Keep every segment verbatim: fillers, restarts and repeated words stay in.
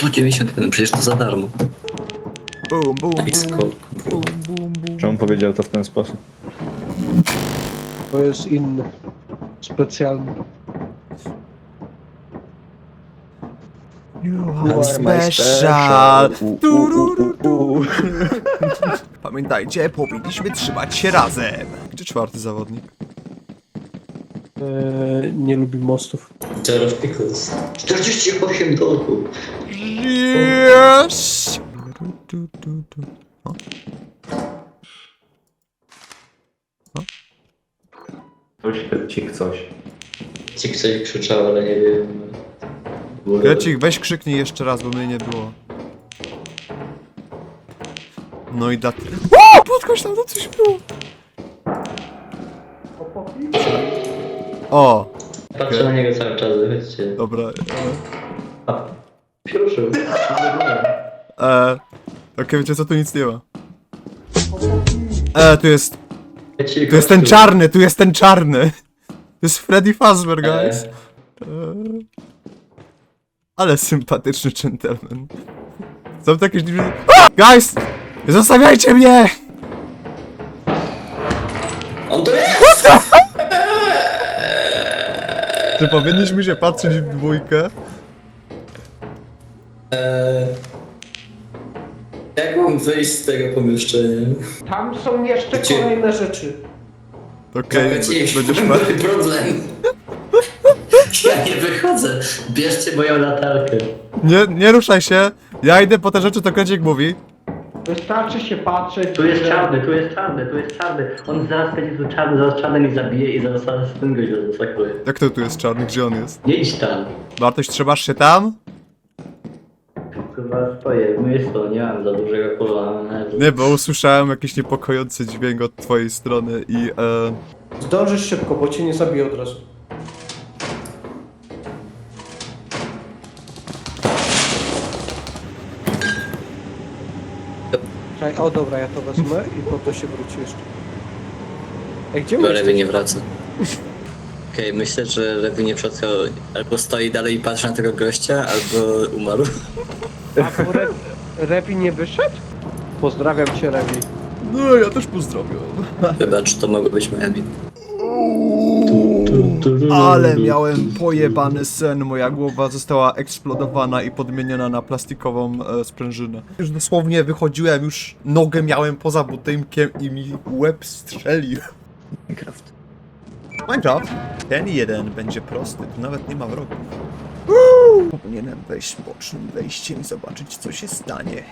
sto dziewięćdziesiąt jeden, przecież to za darmo. Bum, bum, I skok. bum, bum, bum. Czemu powiedział to w ten sposób? To jest inny. Specjalny. You are are my special. special. U, u, Turururu. Pamiętajcie, powinniśmy trzymać się razem. Gdzie czwarty zawodnik? Eee, nie lubi mostów. Zero pickles. czterdzieści osiem dolków. Yes! Tu, tu, tu, tu. O. Coś ci coś. Ci ktoś krzyczał, ale nie wiem. Grecik, weź krzyknij jeszcze raz, bo mnie nie było. No i dat... O! Podchodź tam, to coś było! O! Patrzę na niego cały czas, chodźcie. Dobra. A, Pierwszy. E, Okej, wiecie co, tu nic nie ma. E, tu jest... Tu jest ten czarny, tu jest ten czarny! To jest Freddy Fazbear, guys. E, ale sympatyczny gentleman. Są takie... Guys! Nie zostawiajcie mnie! On to jest! Czy powinniśmy się patrzeć w dwójkę? Eee, jak mam wyjść z tego pomieszczenia? Tam są jeszcze Gdzie? kolejne rzeczy. Okej, Będziesz będziesz ma ma... problem. Ja nie wychodzę. Bierzcie moją latarkę. Nie, nie ruszaj się! Ja idę po te rzeczy, to Krecik mówi. Wystarczy się patrzeć. Tu jest że- czarny, tu jest czarny, tu jest czarny. On zaraz będzie tu czarny, zaraz czarny mnie zabije i zaraz z tym gościa zasakuje. Jak to tu jest czarny? Gdzie on jest? Nie idź tam. Bartoś, trzymasz się tam? Chyba stoję w miejscu, nie mam za dużego kolana. Nie, bo usłyszałem jakiś niepokojący dźwięk od twojej strony i e... Zdążysz szybko, bo cię nie zabiję od razu. Czekaj, o dobra, ja to wezmę i po to się wróci jeszcze. Ej, gdzie Bo my Lewy nie jesteśmy? wraca. Okej, myślę, że Lewy nie przetrwał. Albo stoi dalej i patrzy na tego gościa, albo umarł. A bo Re Rewi nie wyszedł? Pozdrawiam cię, Rewi. No, ja też pozdrawiam. Wybacz, to mogło być moja wina. Ale miałem pojebany sen, moja głowa została eksplodowana i podmieniona na plastikową e, sprężynę. Już dosłownie wychodziłem, już nogę miałem poza budynkiem i mi łeb strzelił. Minecraft. Minecraft? Ten jeden będzie prosty, tu nawet nie ma wrogów. Uuu! Powinienem wejść bocznym wejściem i zobaczyć, co się stanie.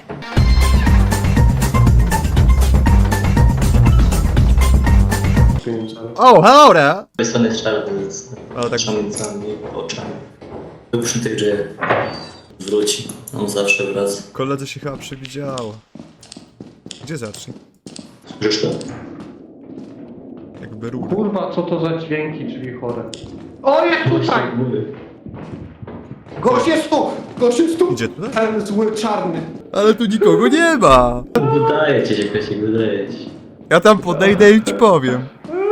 Oh, hello there! Z tej strony jest czarny z O, tak. szamicami, oczami. Był przy tych drzwiach. Wróci. On zawsze wraca. Koledze się chyba przewidziało. Gdzie zacznij? Słyszysz to? Jakby rury. Kurwa, co to za dźwięki, drzwi chore. O, jest tutaj! Właśnie mówię. Gość jest tu! Gość jest tu! Idzie tutaj? Ten zły, czarny. Ale tu nikogo nie ma! Wydaje ci się, Kresik, wydaje ci się. Ja tam podejdę i ci powiem.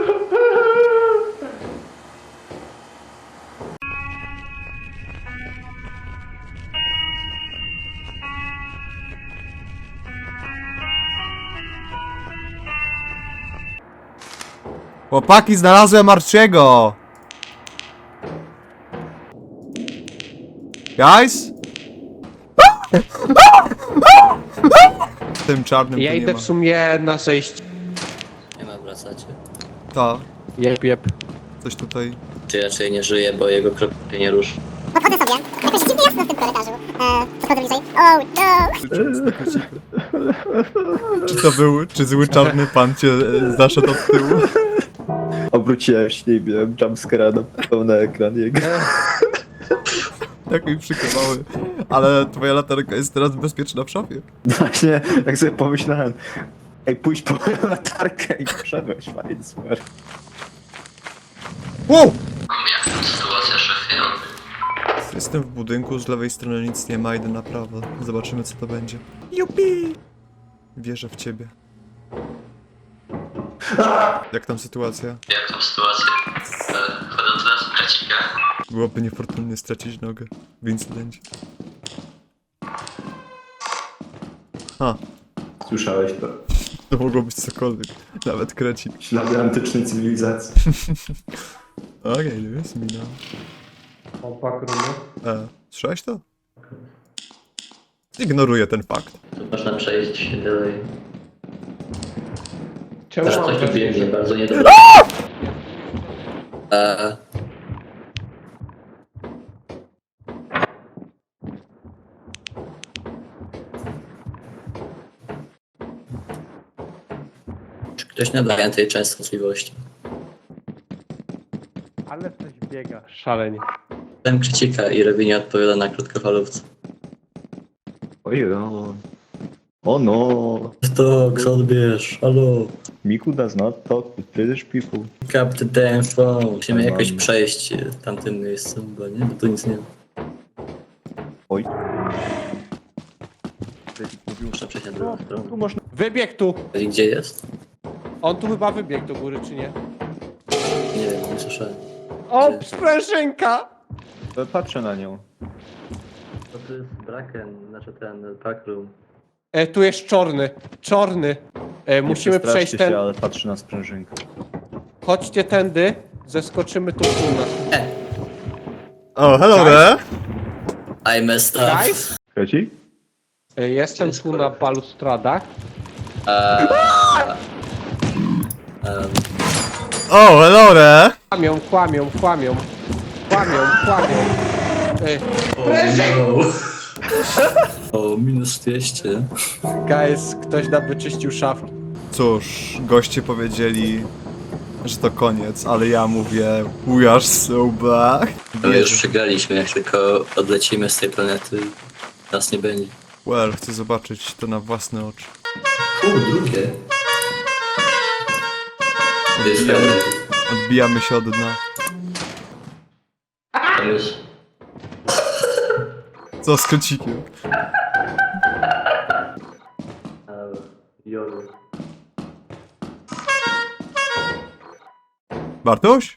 Chłopaki, znalazłem Archiego! Guys? Tym czarnym Ja tu nie idę ma. w sumie na zejście. Nie ma, wracacie. Ta, Jep, jep. coś tutaj... Czy raczej nie żyje, bo jego krok się nie ruszy. Podchodzę sobie. Jakoś dziwnie jasno w tym korytarzu. Eee, podchodzę bliżej. Oh no! Czy to był, czy zły czarny pan cię e, zaszedł od tyłu? Obróciłem się i miałem jumpscare'a na pełny ekran jego. Tak mi przykrywały. Ale twoja latarka jest teraz bezpieczna w szafie. Właśnie, tak sobie pomyślałem. Ej, pójdź po moją latarkę i wszedłeś, fajnie, super. Wow! Jak tam sytuacja, szefie? Jestem w budynku, z lewej strony nic nie ma, idę na prawo. Zobaczymy, co to będzie. Jupi! Wierzę w ciebie. Jak tam sytuacja? Jak tam sytuacja? Wchodzą teraz Krecika. Byłoby niefortunnie stracić nogę w incydencie. A, Słyszałeś to? to mogło być cokolwiek. Nawet krecik. Ślady antycznej cywilizacji. Okej, okay, to jest mina. Opak rumy. E, słyszałeś to? Ignoruję ten fakt. Tu można przejść się dalej. Czemu Teraz mam coś tu wrażenie, biegnie, że... bardzo niedobrze. Eee, Czy ktoś nadaje tej częstotliwości? Ale coś biega. Szalenie. Ten krzyczika i Rewi nie odpowiada na krótkofalówce. Oj, no. O no. To, kto odbierz? Halo? Miku does not talk with British people. Pick up the damn phone. Musimy Mam- jakoś przejść e, tamtym miejscem, bo nie? Bo tu nic nie ma. Oj. Muszę przejść na drugą stronę. Tu można... Wybieg tu! I gdzie jest? On tu chyba wybiegł do góry, czy nie? Nie wiem, nie słyszałem. O, Gdzie? sprężynka! Patrzę na nią. To tu jest Braken, znaczy ten backroom. E, tu jest czarny. Czarny. E, musimy Nie przejść przestraszcie ten... się, ale patrzy na sprężynkę. Chodźcie tędy. Zeskoczymy tu u nas. O, hello Guys? there! I messed up. Guys? Krecik? E, jestem Jest tu na korek. balustradach. Eee, em, O, hello there! Kłamią, kłamią, kłamią. Kłamią, kłamią. E, o, no. O, minus dwieście. guys, ktoś nam wyczyścił szafki. Cóż, goście powiedzieli, że to koniec, ale ja mówię we are so back. My już przegraliśmy, jak tylko odlecimy z tej planety. Nas nie będzie. Well, chcę zobaczyć to na własne oczy. U, drugie. To jest fajne. Odbijamy się od dna. Tam jest. Co z kocikiem? Eee, Jolu. Bartoś?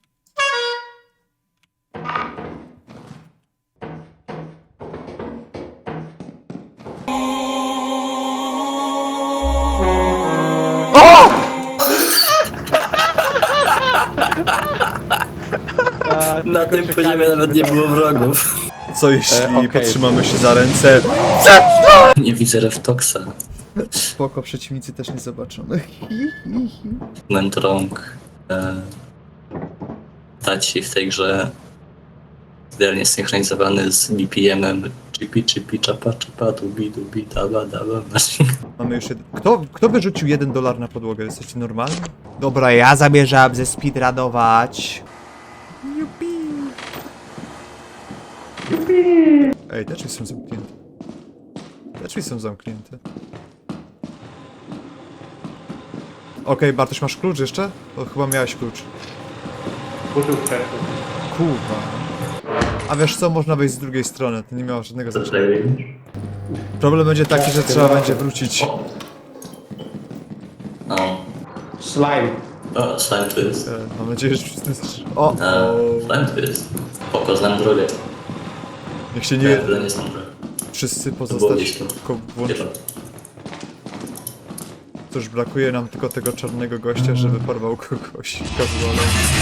Na tym poziomie nawet nie było wrogów. Co jeśli E, okej. potrzymamy się za ręce? Nie widzę Reftoksa. Spoko, przeciwnicy też nie zobaczą. Mentrong. E, Taci w tej grze idealnie synchronizowany z B P M-em. Chipi, chipi, czapa, czapa, dubi, dubi, daba, daba. Mamy już jeden. Kto, kto wyrzucił jeden dolar na podłogę? Jesteście normalni? Dobra, ja zamierzam ze speedrunować. Jupi. Ej, te drzwi są zamknięte. Te drzwi są zamknięte. Okej, Bartoś, masz klucz jeszcze? To chyba miałeś klucz. Użył wcześniej. Kurwa. A wiesz co, można wejść z drugiej strony, to nie miało żadnego Co znaczenia. tutaj robisz? Problem będzie taki, że trzeba będzie wrócić. O, Slime. o, slime tu jest. E, Mam nadzieję, że wszyscy... O, E, o. slime tu jest. Spoko, znam drogę. Niech się Nie, nie... to nie znam drogę. Wszyscy było pozostać gdzieś tu. tylko włączyć. Chyba. Cóż, brakuje nam tylko tego czarnego gościa, żeby porwał kogoś casualem.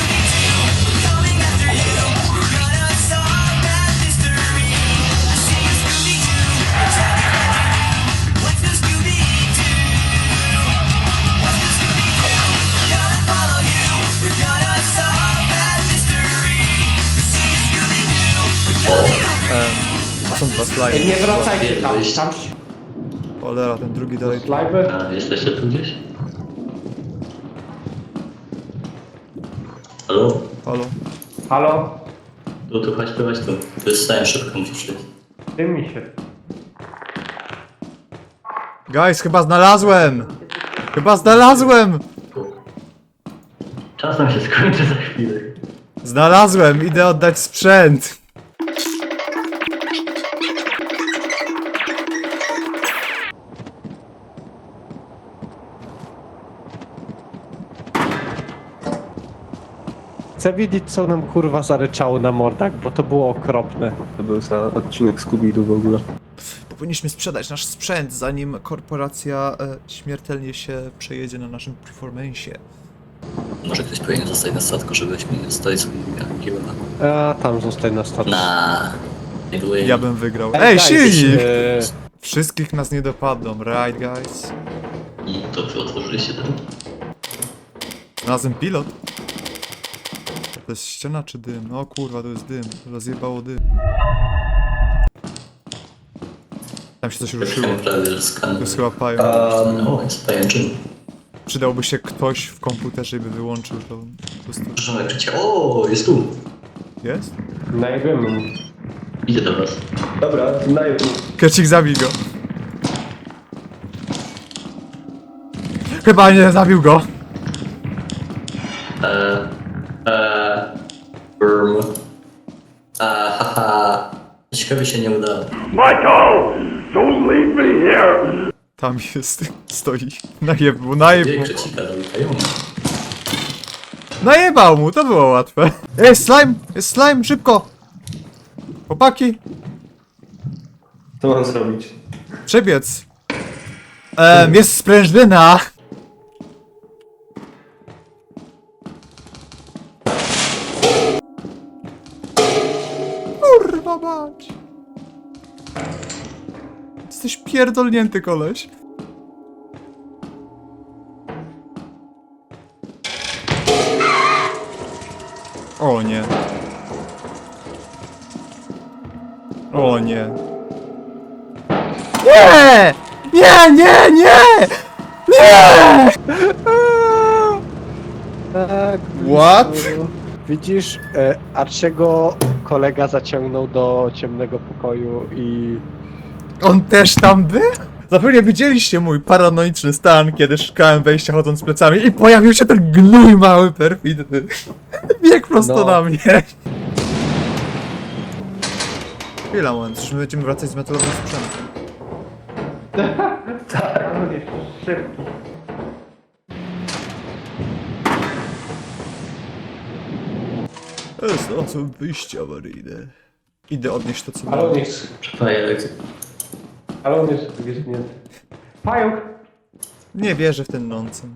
To są dwa E, slajmy. nie wracajcie tam. Wyjść. Tam Cholera, ten drugi dalej... slime. A, jesteście tu gdzieś? Halo? Halo? Halo? Tu, tu, chodź tu, chodź tu. Tu jest slime, szybko musisz iść. Tym mi się. Guys, chyba znalazłem! Chyba znalazłem! Czas nam się skończy za chwilę. Znalazłem, idę oddać sprzęt! Chcę wiedzieć, co nam kurwa zaryczało na mordach, bo to było okropne. To był za odcinek Scooby-Doo w ogóle. Powinniśmy sprzedać nasz sprzęt, zanim korporacja e, śmiertelnie się przejedzie na naszym performance'ie. Może ktoś powinien zostać na statku, żebyśmy nie zostali z Giona. A tam zostań na statku. Na. Nie były. Ja bym wygrał. Ej, Ej, guys, silnik! e, Wszystkich nas nie dopadną, right guys? I to wy otworzyliście ten. Razem pilot? To jest ściana czy dym? O kurwa, to jest dym. Rozjebało dym. Tam się coś ruszyło. Ruszyłem prawie, że To skan. jest chyba pają. O, jest pajęczyn. Przydałby się ktoś w komputerze i by wyłączył to. Po prostu. Proszę jak życie. O, jest tu. Jest? Najwiemy mu. Idę do was. Dobra, na YouTube. Krecik, zabij go. Chyba nie zabił go. Eee. Eee. Burm. A, haha. Ciekawie się nie udało. Tam jest, stoi. Najebał, najebał. Gdzie krecika zamykają? Najebał mu, to było łatwe. Ej, slime! Jest slime, szybko! Chłopaki, Co mam zrobić? przebiec. Ehm, jest sprężyna. Kurwa mać. Jesteś pierdolnięty, koleś. O nie. O nie. Nie! Nie, nie, nie! Nie! Tak. What? Widzisz, e, Arciego kolega zaciągnął do ciemnego pokoju i... On też tam był? Zapewne widzieliście mój paranoiczny stan, kiedy szukałem wejścia chodząc plecami i pojawił się ten gnój mały, perfidny. Biegł prosto No. na mnie. Chwila, moment, czy my będziemy wracać z metalowym sprzętem? Tak, on jest szybki. Znalazłem wyjście awaryjne. Idę odnieść to, co Ale mam. on jest... Przepaję. Ale on jest wygięty. Pająk! Nie wierzę w ten nonsens.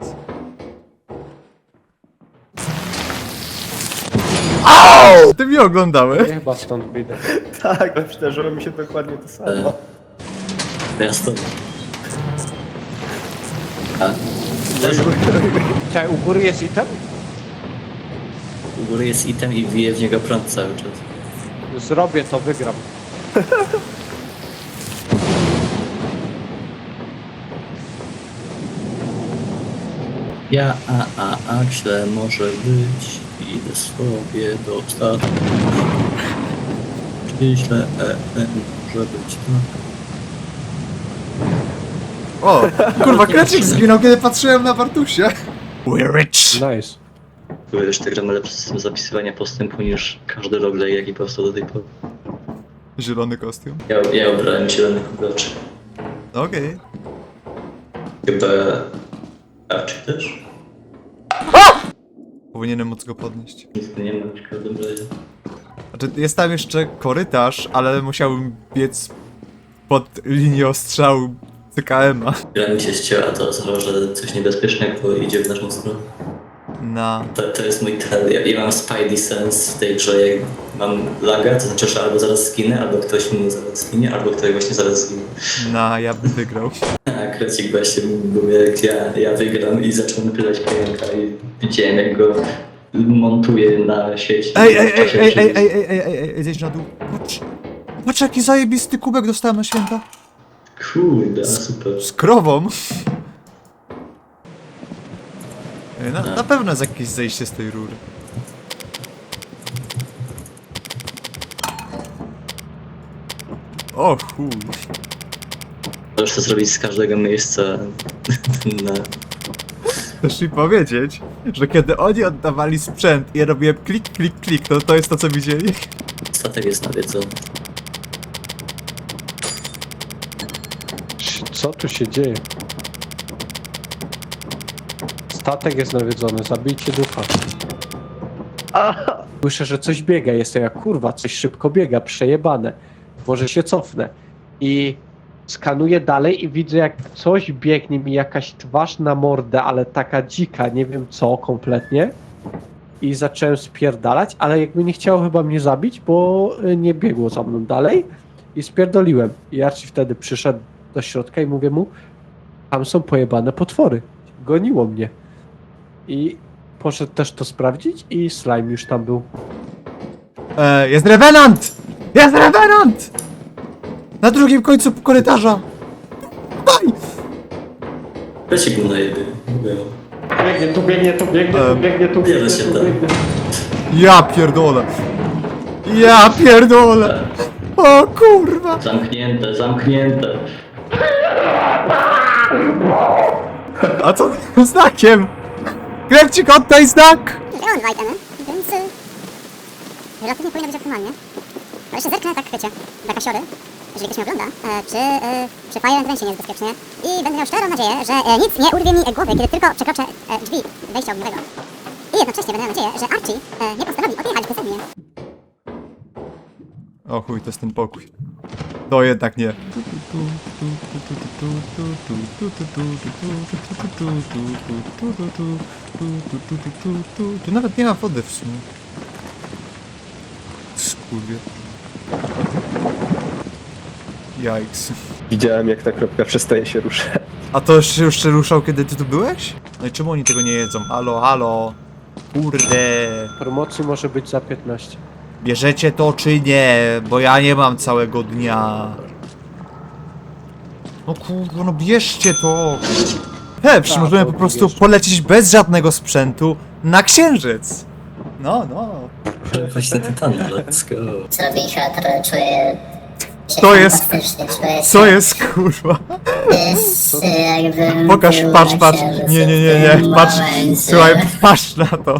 Au! Ty mnie oglądałeś? Ja chyba stąd wyjdę. Tak, przydarzyło mi się dokładnie to samo. Miasto. A. Też Czekaj, u góry jest item? u góry jest item i wije w niego prąd cały czas. Zrobię to, wygram. Ja, a, a, a, źle może być. Idę sobie do statku. Czy źle, e, e, może być, tak. O, kurwa, krecik zginął, kiedy patrzyłem na Bartusia. We're rich. Nice. Były już te gry ma lepszy system zapisywania postępu niż każdy roguelike, jaki powstał do tej pory. Zielony kostium. Ja, ja obrałem zielonych ugraczy. Okej. Chyba... A, czy też? Powinienem móc go podnieść. Nic tu nie ma w każdym razie. Znaczy, jest tam jeszcze korytarz, ale musiałbym biec pod linię ostrzału C K M-a. Gra mi się ścięła, to oznacza, że coś niebezpiecznego idzie w naszą stronę. Na... To, to jest mój cel. Ja, ja mam Spidey Sense w tej grze, jak mam laga, to znaczy, że albo zaraz zginę, albo ktoś mnie zaraz zginie, albo ktoś właśnie zaraz zginie. Na, ja bym wygrał. A Krecik właśnie był jak ja, ja wygram i zaczął napierać pająka i widziałem jak go montuje na sieci. Ej, ej, ej, ej, ej, ej, ej, ej, ej, ej, zejdź na dół. Patrz. Patrz, jaki zajebisty kubek dostałem na święta. Kurde, super. Z krową. Ej, na, na pewno jest jakieś zejście z tej rury. O chuj. Możesz to zrobić z każdego miejsca na... Chcesz mi powiedzieć, że kiedy oni oddawali sprzęt i ja robiłem klik, klik, klik, to to jest to, co widzieli? Statek jest nawiedzony. Co tu się dzieje? Statek jest nawiedzony, zabijcie ducha. Słyszę, że coś biega, jestem jak kurwa, coś szybko biega, przejebane. Może się cofnę. I Skanuję dalej i widzę, jak coś biegnie mi, jakaś twarz na mordę, ale taka dzika, nie wiem co kompletnie. I zacząłem spierdalać, ale jakby nie chciało chyba mnie zabić, bo y, nie biegło za mną dalej. I spierdoliłem. I Archie wtedy przyszedł do środka i mówię mu, tam są pojebane potwory. Goniło mnie. I poszedł też to sprawdzić i slime już tam był. E, jest Revenant! Jest Revenant! Na drugim końcu korytarza! Daj! Krecik był na jebie. Biegnie, tu biegnie, tu biegnie, Em, tu biegnie, tu nie biegnie, da się tu tak. biegnie. Ja pierdolę! Ja pierdolę! O kurwa! Zamknięte, zamknięte. A co tym znakiem? Klepcik, oddaj znak! Grałem dwa itemy, więc... y, relatywnie powinno być optymalnie. Ale jeszcze zerknę tak, wiecie, dla kasiory, jeżeli ktoś mnie ogląda, e, czy, e, czy Fire and Rain się nie jest bezpiecznie. I będę miał szczerą nadzieję, że e, nic nie urwie mi głowy, kiedy tylko przekroczę e, drzwi wejścia ognowego. I jednocześnie będę miał nadzieję, że Archie e, nie postanowi odjechać beze mnie. O chuj, to jest ten pokój. To jednak nie. Tu nawet nie ma wody w sumie. Skurwie. Jajks. Widziałem, jak ta kropka przestaje się ruszać. A to już się już się ruszał, kiedy ty tu byłeś? No i czemu oni tego nie jedzą? Halo, halo. Kurde. Promocji może być za piętnaście. Bierzecie to czy nie? Bo ja nie mam całego dnia. No kurwa, no bierzcie to. He, przecież Tak, możemy to po prostu bierzcie. polecieć bez żadnego sprzętu na księżyc. No, no. Właśnie tytany, let's go. Zrobię czuję się To jest- fantastycznie, czuję Co się- jest kurwa? jest jakbym Pokaż, był patrz, na patrz. księżycu Nie, nie, w nie, tym nie. Patrz, momencie. słuchaj, patrz na to.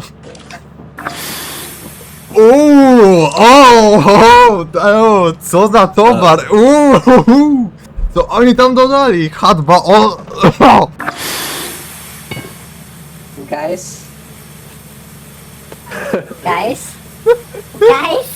Uuu, o, o, o, co za towar, uuu, co oni tam dodali, H dwa O, o. Guys? Guys? Guys?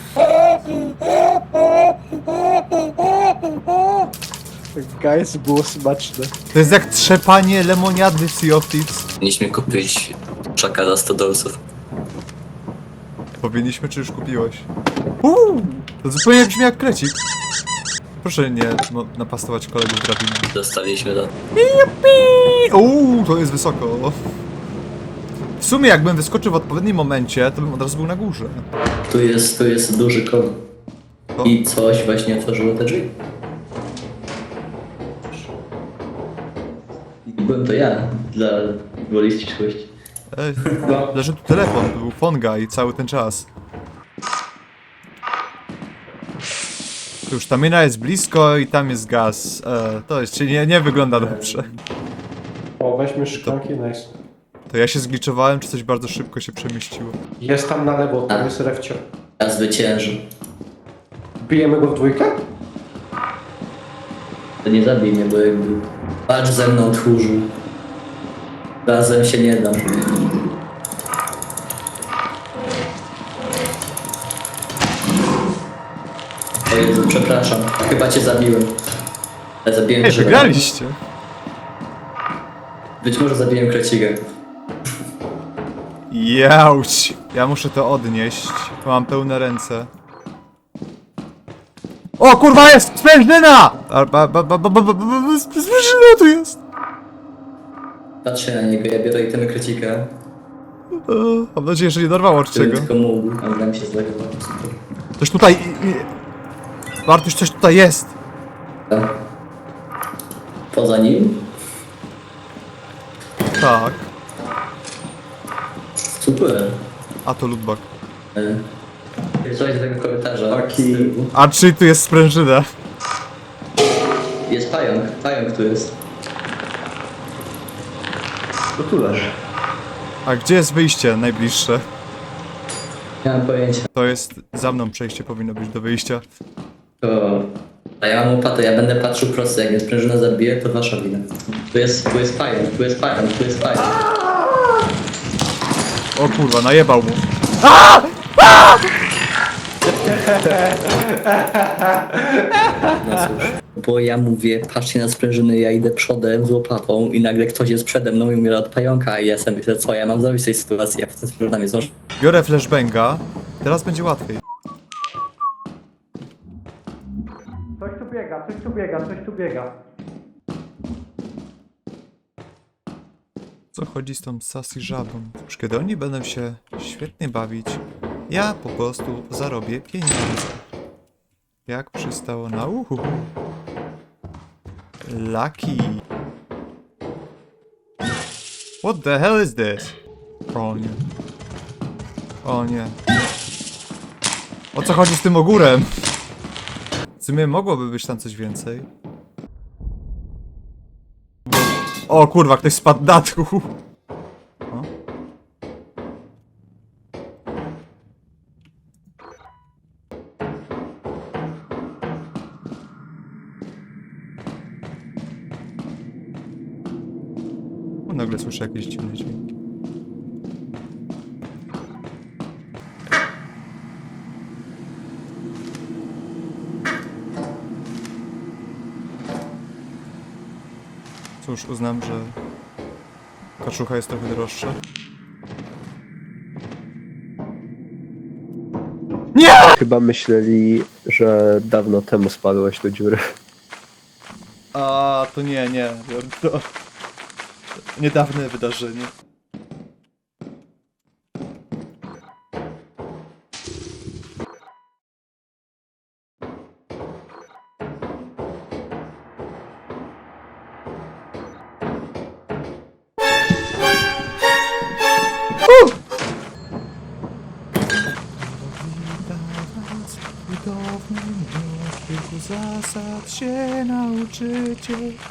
Guys, było smaczne. To jest jak trzepanie lemoniady w Sea of Thieves. Powinniśmy kupić czaka za sto dolców. Powinniśmy, czy już kupiłeś? Uuu, to zupełnie brzmi jak krecik. Proszę nie no, napastować kolegów drabiną. Dostaliśmy do... Uuu, to jest wysoko. W sumie jakbym wyskoczył w odpowiednim momencie, to bym od razu był na górze. Tu jest, tu jest duży kod. O. I coś właśnie otworzyło te drzwi. I byłem to ja, dla woli ścisłości. Ej, leży tu telefon, to był Fonga i cały ten czas. Tu już ta mina jest blisko i tam jest gaz. E, to jeszcze nie, nie wygląda dobrze. O, weźmy szklanki, nice. To ja się zgliczowałem, czy coś bardzo szybko się przemieściło. Jest tam na lewo, tam jest refcio. Ja zwyciężę. Bijemy go w dwójkę? To nie zabij mnie, bo jakby... Patrz ze mną, tchórzu. Razem się nie dam. O Jezu, przepraszam. Chyba cię zabiłem. Ale zabiłem Ej, grzyba. wygraliście! Być może zabiłem krecigę. Jauć! Ja muszę to odnieść. Mam pełne ręce. O kurwa jest! Sprężyna! A, ba, ba, ba, ba, ba, ba, ba, sprężyna tu jest! Patrzę na niego, ja biorę itemy krecika. E, Mam nadzieję, że nie dorwało od Gdybym czego. tylko mógł, a nam się zlegowało. Coś tutaj... i- i- Bartuś, coś tutaj jest! Poza nim? Tak. Super. A to lootbag. E, Coś z tego korytarza. Taki- z tyłu. A czy tu jest sprężyna? Jest pająk, pająk tu jest. To tu leży. A gdzie jest wyjście najbliższe? Nie mam pojęcia. To jest... Za mną przejście powinno być do wyjścia. To... A ja mam łopatę, ja będę patrzył prosto, jak mnie sprężyna zabije, to wasza wina. Tu jest, tu jest pająk, tu jest pająk, tu jest pająk. O kurwa, najebał mu. No cóż, bo ja mówię, patrzcie na sprężyny, ja idę przodem z łopatą i nagle ktoś jest przede mną i umiera od pająka i ja sobie myślę, co ja mam zrobić w tej sytuacji, a potem sprężynami zdążę. Biorę flashbanga. Teraz będzie łatwiej. Coś tu biega, coś tu biega, coś tu biega. Co chodzi z tą sassy żabą? Już kiedy oni będą się świetnie bawić, ja po prostu zarobię pieniądze. Jak przystało na uchu. Lucky. What the hell is this? O nie. O nie. O co chodzi z tym ogórem? W sumie mogłoby być tam coś więcej. O kurwa, ktoś spadł na dół. O. O, nagle słyszę jakieś dziwne dźwięki. Cóż, uznam, że kaczucha jest trochę droższa. Chyba myśleli, że dawno temu spadłeś do dziury. A to nie, nie. To niedawne wydarzenie. Zasad się nauczycie.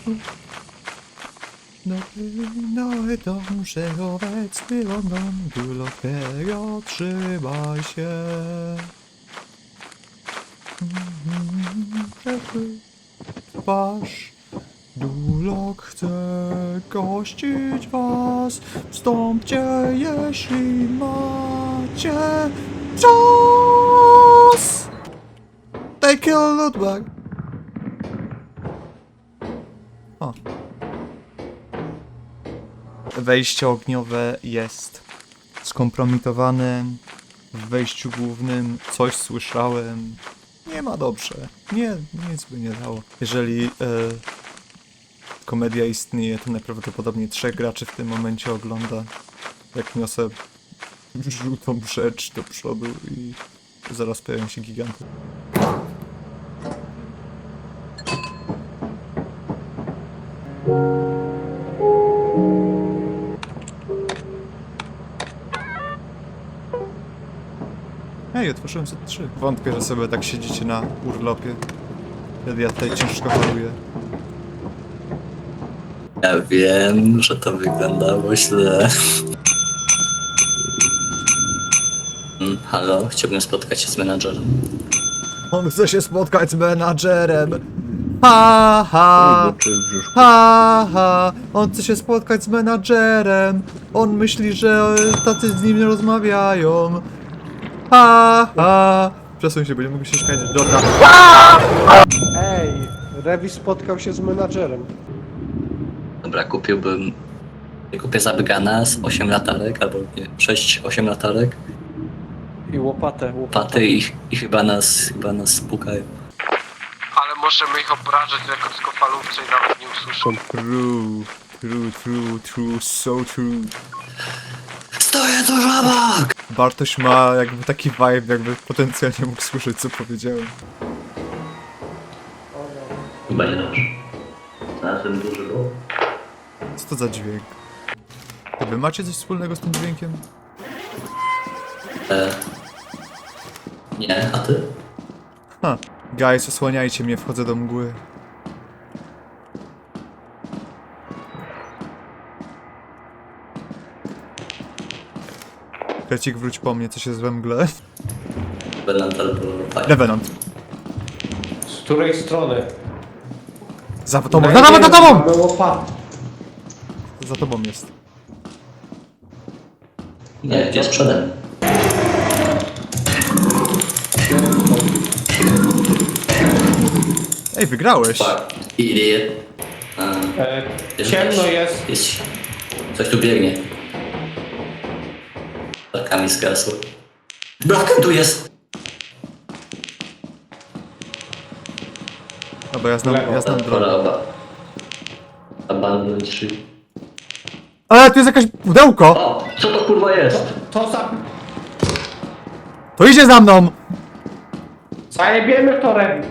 No, no, dążę obecny London, Dulotero, trzymaj się. Wasz Dulok chce gościć was. Wstąpcie, jeśli macie czas. Take a look back. O. Wejście ogniowe jest skompromitowane. W wejściu głównym coś słyszałem. Nie ma dobrze. Nie, nic by nie dało. Jeżeli e, komedia istnieje, to najprawdopodobniej trzech graczy w tym momencie ogląda. Jak niosę żółtą rzecz do przodu i zaraz pojawią się giganty. Ej, otworzyłem Z trzy. Wątpię, że sobie tak siedzicie na urlopie. Kiedy ja tutaj ciężko choruję. Ja wiem, że to wyglądało źle. Mm, Halo, chciałbym spotkać się z menadżerem. On chce się spotkać z menadżerem. Ha, ha. Czy w brzuszku. Ha, ha. On chce się spotkać z menadżerem. On myśli, że tacy z nim nie rozmawiają. Ha, ha. Przesuń się, bo nie mogę się śmiać. Dobra. Ej, Rewi spotkał się z menadżerem. Dobra, kupiłbym... Kupię zabygana z osiem latarek, albo nie, sześć osiem latarek. I łopatę, łopatę. Paty i, i chyba nas, chyba nas spukają. Ale możemy ich obrażać na krótkofalówce i nawet nie usłyszą. True, true, true, true, so true. Stoję tu żabak! Bartoś ma jakby taki vibe, jakby potencjalnie mógł słyszeć, co powiedziałem. Chyba nie dobrze. Znalazłem duży ból. Co to za dźwięk? To wy macie coś wspólnego z tym dźwiękiem? E... Nie, a ty? Ha. Guys, osłaniajcie mnie, wchodzę do mgły. Krecik, wróć po mnie, coś jest we mgle. Benant albo tak. Revenant. Z której strony? Za tobą, No za nie tobą, za wiem, tobą! mamy łopatę. Za tobą jest. Nie, jest przede mną. Ej, wygrałeś. Fuck. Idiot. A, E, jest ciemno coś- jest. jest. Coś tu biegnie. Tarkami zgasło. Braken tu jest! Dobra, ja znam, ja znam drogę. Choroba. Abandon drzwi. Ale tu jest jakaś pudełko! O! Co to kurwa jest? To za... To idzie za mną! Zajebiemy to Rewi.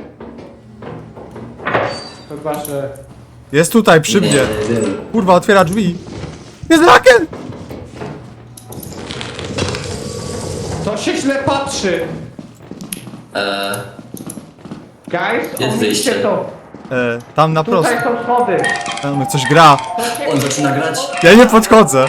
Chyba, że... Jest tutaj, przy mnie. Nie wiem. Kurwa, otwiera drzwi. Jest Raken! To się źle patrzy. Eee, Guys, Jest omińcie wyjście. to. E, tam na prosto. Tutaj są schody. Tam coś gra. on zaczyna grać? Ja nie podchodzę.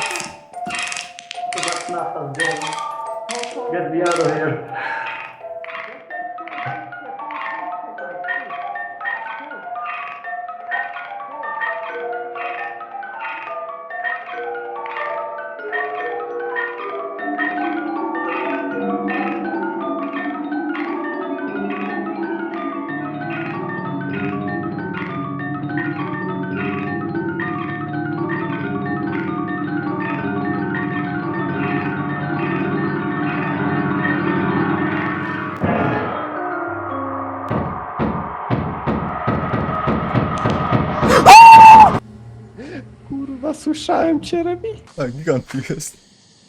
Kurwa, słyszałem cię, Rewi. A, gigant tu jest.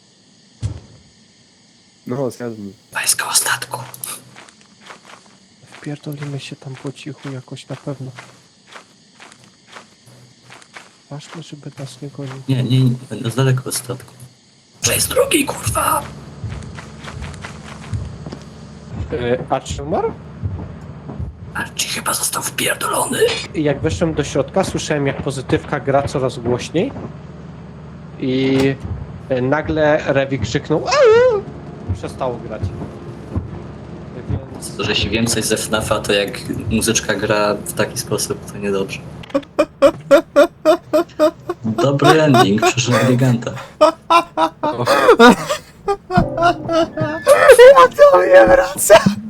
No, zgadnij. Pańskiego statku. Wpierdolimy się tam po cichu jakoś na pewno. Ważne, żeby nas nie gonił. Nie, nie, nie, będę z daleko od statku. Że jest drugi, kurwa! Yy, a czy umarł? A ci chyba został wpierdolony. I jak weszłem do środka, słyszałem jak pozytywka gra coraz głośniej. I y, nagle Rewi krzyknął "Aaa!" Przestało grać. Więc To, że jeśli wiem coś ze FNAFa, to jak muzyczka gra w taki sposób, to niedobrze. Dobry ending, przyszedł giganta. Ja to nie wracam!